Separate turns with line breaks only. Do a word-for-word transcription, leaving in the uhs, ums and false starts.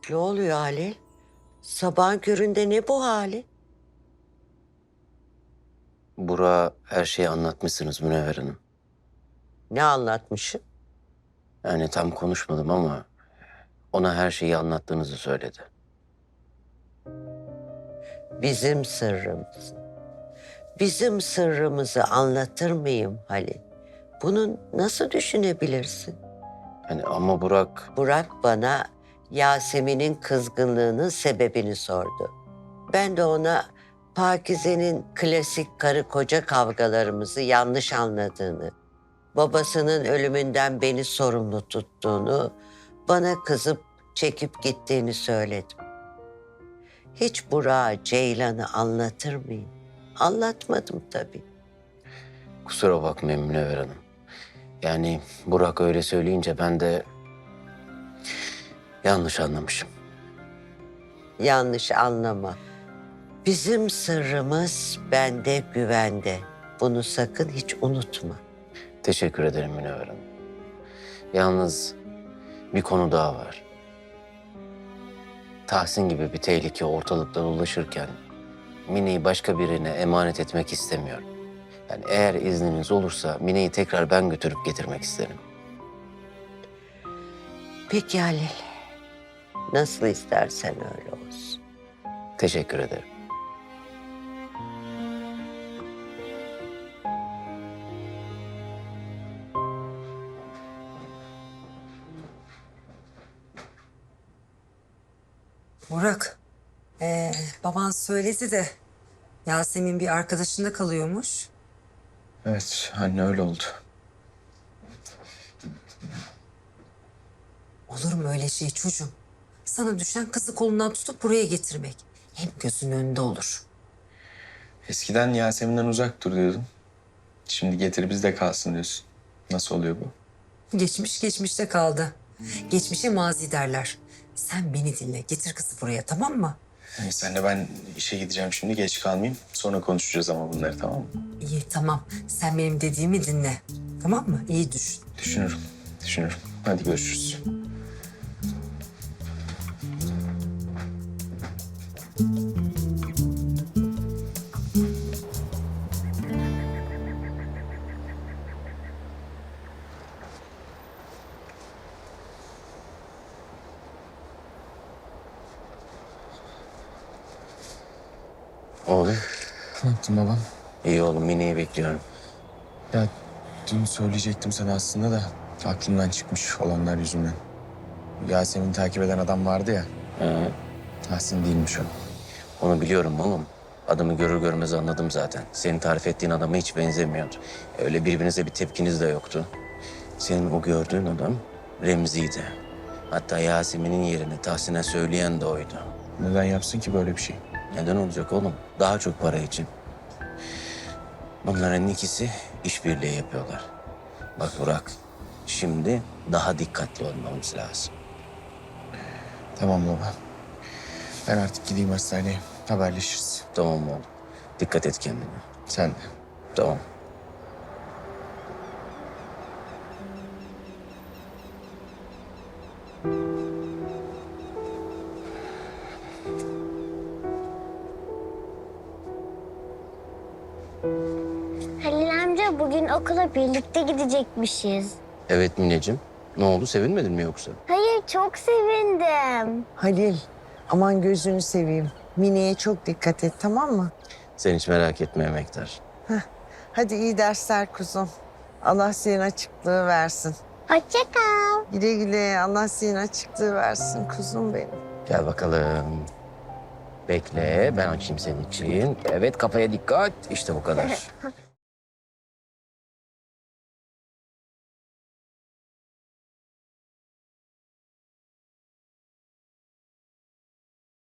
Ne oluyor Halil? Sabahın köründe ne bu hali?
Burak'a her şeyi anlatmışsınız Münevver Hanım.
Ne anlatmışım?
Yani tam konuşmadım ama ona her şeyi anlattığınızı söyledi.
Bizim sırrımız. Bizim sırrımızı anlatır mıyım Halil? Bunu nasıl düşünebilirsin?
Yani ama Burak
Burak bana Yasemin'in kızgınlığının sebebini sordu. Ben de ona Pakize'nin klasik karı koca kavgalarımızı yanlış anladığını, babasının ölümünden beni sorumlu tuttuğunu, bana kızıp çekip gittiğini söyledim. Hiç Burak'a Ceylan'ı anlatır mıyım? Anlatmadım tabii.
kusura bakmayın Münevver Hanım. Yani Burak öyle söyleyince ben de yanlış anlamışım.
Yanlış anlama. Bizim sırrımız bende, güvende. Bunu sakın hiç unutma.
Teşekkür ederim Münevver Hanım. Yalnız bir konu daha var. Tahsin gibi bir tehlike ortalıkta dolaşırken Mine'yi başka birine emanet etmek istemiyorum. Yani eğer izniniz olursa Mine'yi tekrar ben götürüp getirmek isterim.
Peki Halil. Nasıl istersen öyle olsun.
Teşekkür ederim.
Burak, ee, baban söyledi de Yasemin bir arkadaşında kalıyormuş.
Evet, anne öyle oldu.
Olur mu öyle şey çocuğum? Sana düşen kızı kolundan tutup buraya getirmek. Hem gözünün önünde olur.
Eskiden Yasemin'den uzak dur diyordum. Şimdi getir bizde kalsın diyorsun. Nasıl oluyor bu?
Geçmiş geçmişte kaldı. Geçmişe mazi derler. Sen beni dinle, getir kızı buraya, tamam mı?
Neyse anne, ben işe gideceğim şimdi, geç kalmayayım. Sonra konuşacağız ama bunları, tamam mı?
İyi, tamam. Sen benim dediğimi dinle. Tamam mı? İyi düşün.
Düşünürüm, düşünürüm. Hadi görüşürüz.
Oğlum,
Ne yaptın babam?
iyi oğlum Mine'yi bekliyorum.
Ya dün söyleyecektim sana aslında da aklımdan çıkmış olanlar yüzünden. Yasemin'i takip eden adam vardı ya.
Ee,
Tahsin değilmiş o.
onu biliyorum oğlum. Adamı görür görmez anladım zaten. Senin tarif ettiğin adama hiç benzemiyordu. Öyle birbirinize bir tepkiniz de yoktu. Senin o gördüğün adam Remzi'ydi. Hatta Yasemin'in yerini Tahsin'e söyleyen de oydu.
Neden yapsın ki böyle bir şey?
Neden olacak oğlum? Daha çok para için. Bunların ikisi işbirliği yapıyorlar. Bak Burak, şimdi daha dikkatli olmamız lazım.
Tamam baba. Ben artık gideyim hastaneye. Haberleşiriz.
Tamam mı oğlum? Dikkat et kendine.
Sen de.
Tamam.
Halil amca bugün okula birlikte gidecekmişiz.
Evet Mineciğim. Ne oldu? Sevinmedin mi yoksa?
Hayır çok sevindim.
Halil, aman gözünü seveyim. Mine'ye çok dikkat et, tamam mı?
Sen hiç merak etme Emektar.
Hadi iyi dersler kuzum. Allah senin açıklığı versin.
Hoşça kal.
Güle güle, Allah senin açıklığı versin kuzum benim.
Gel bakalım. Bekle, ben açayım senin için. Evet, kafaya dikkat. İşte bu kadar.